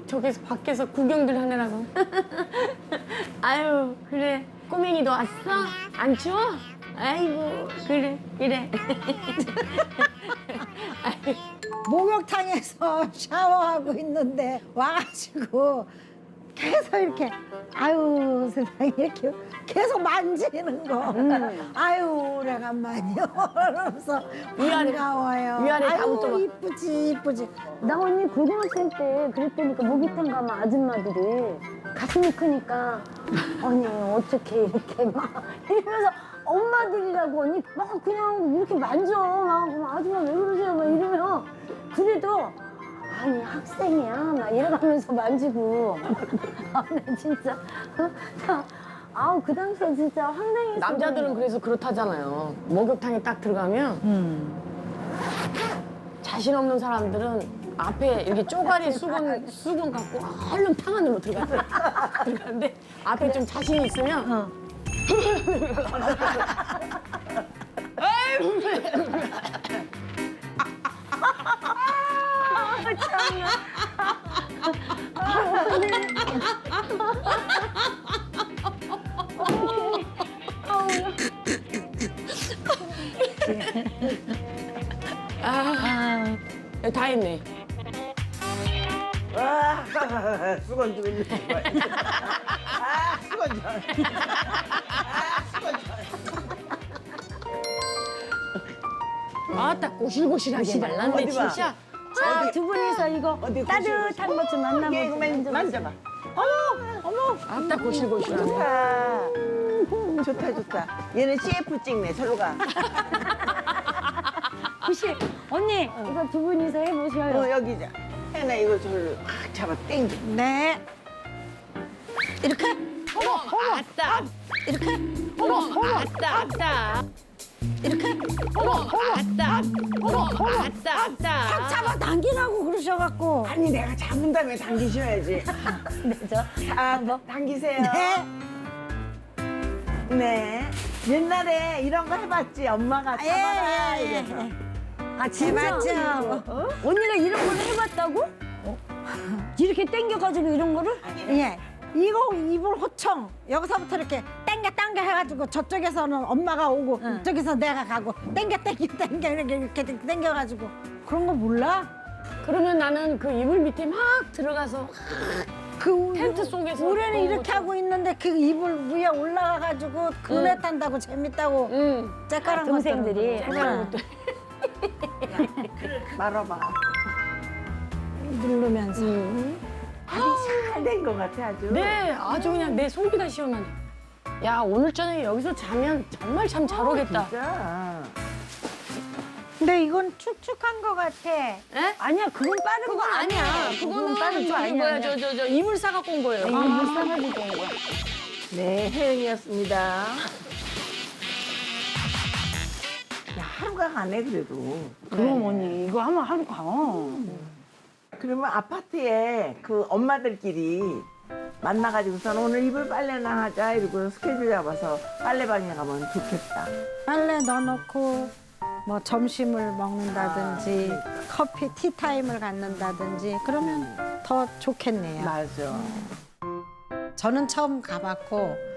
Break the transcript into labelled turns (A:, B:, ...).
A: 저기서 밖에서 구경들 하느라고. 아유, 그래. 꼬맹이도 왔어? 안 추워? 아이고, 그래, 그래.
B: 목욕탕에서 샤워하고 있는데 와가지고 계속 이렇게 아유 세상에 이렇게 계속 만지는 거. 아유 오래간만이요. 그러면서 반가워요.
A: 위아래 다
B: 아유
A: 붙어봐.
B: 이쁘지 이쁘지.
C: 나 언니 고등학생 때 그랬다니까 목욕탕 가면 아줌마들이 가슴이 크니까 언니 어떻게 이렇게 막 이러면서 엄마들이라고 언니 막 그냥 이렇게 만져 막 아줌마 왜 그러세요 막 이러면 그래도 아니 학생이야 막 이러면서 만지고 아, 나 진짜 아우 그 당시에 진짜 황당했어.
A: 남자들은 그래서 그렇다잖아요. 목욕탕에 딱 들어가면 자신 없는 사람들은 앞에 이렇게 쪼가리 수건 갖고 얼른 탕 안으로 들어가는데 앞에 좀 자신 있으면 다 했네.
D: 아, 수건 좀 있는 거야. 아, 수건 좀. 아, 수건 좀.
A: 아따 고실고실하게 말랐네
D: 어디 봐.
A: 진짜.
C: 자, 두 분이서 이거
D: 어디
C: 따뜻한 것 좀
D: 이게
C: 만나보세요.
D: 이거 만져봐.
A: 아따 고실고실하네.
D: 좋다, 좋다. 얘는 CF 찍네, 저로 가.
C: 혹시 언니 이거 두 분이서 해보셔요.
D: 여기 자. 혜나 이거 저로 확 잡아 당겨.
B: 네. 이렇게
A: 아따
B: 이렇게
A: 아따 아따
B: 이렇게
A: 아따 아따.
B: 잡아당기라고 그러셔갖고.
D: 아니, 내가 잡은 다음에 당기셔야지. 자, 당기세요.
B: 네.
D: 네. 옛날에 이런 거 해봤지? 엄마가 잡아라.
B: 예, 예,
D: 이래서.
B: 예.
C: 아 진짜?
B: 맞죠.
C: 언니가 이런 걸 해봤다고? 이렇게 당겨가지고 이런 거를?
B: 예. 이거 이불 호청 여기서부터 이렇게 땡겨 해가지고 저쪽에서는 엄마가 오고 이쪽에서 내가 가고 땡겨 이렇게 땡겨가지고 그런 거 몰라?
A: 그러면 나는 그 이불 밑에 막 들어가서
B: 그
A: 텐트 속에서
B: 우리는
A: 그런
B: 이렇게
A: 거
B: 하고 있는데 그 이불 위에 올라가가지고 그네 탄다고 재밌다고
A: 응.
B: 째깔한
C: 동생들이.
B: 것들은
D: 말아봐.
B: 누르면서
D: 아니, 잘 된 것 같아, 아주.
A: 네, 아주 그냥 내 속이 다 시원하네. 야, 오늘 저녁에 여기서 자면 정말 잠 잘 오겠다.
D: 진짜.
B: 근데 이건 축축한 거 같아.
C: 아니야 그건 빠른 거
A: 그건 아니야. 그거는
C: 빠른 거
A: 저기
C: 아니야.
A: 뭐야, 저 이불 싸갖고 온 거예요.
C: 이거 물 싸가지고 온 거야.
D: 네, 혜연이었습니다. 야, 하루가 가네, 그래도.
C: 그럼 언니 이거 하면 하루 가.
D: 그러면 아파트에 그 엄마들끼리 만나가지고서는 오늘 이불 빨래나 하자 이러고 스케줄 잡아서 빨래방에 가면 좋겠다.
B: 빨래 넣어놓고 뭐 점심을 먹는다든지 커피 티타임을 갖는다든지 그러면 더 좋겠네요.
D: 맞아.
B: 저는 처음 가봤고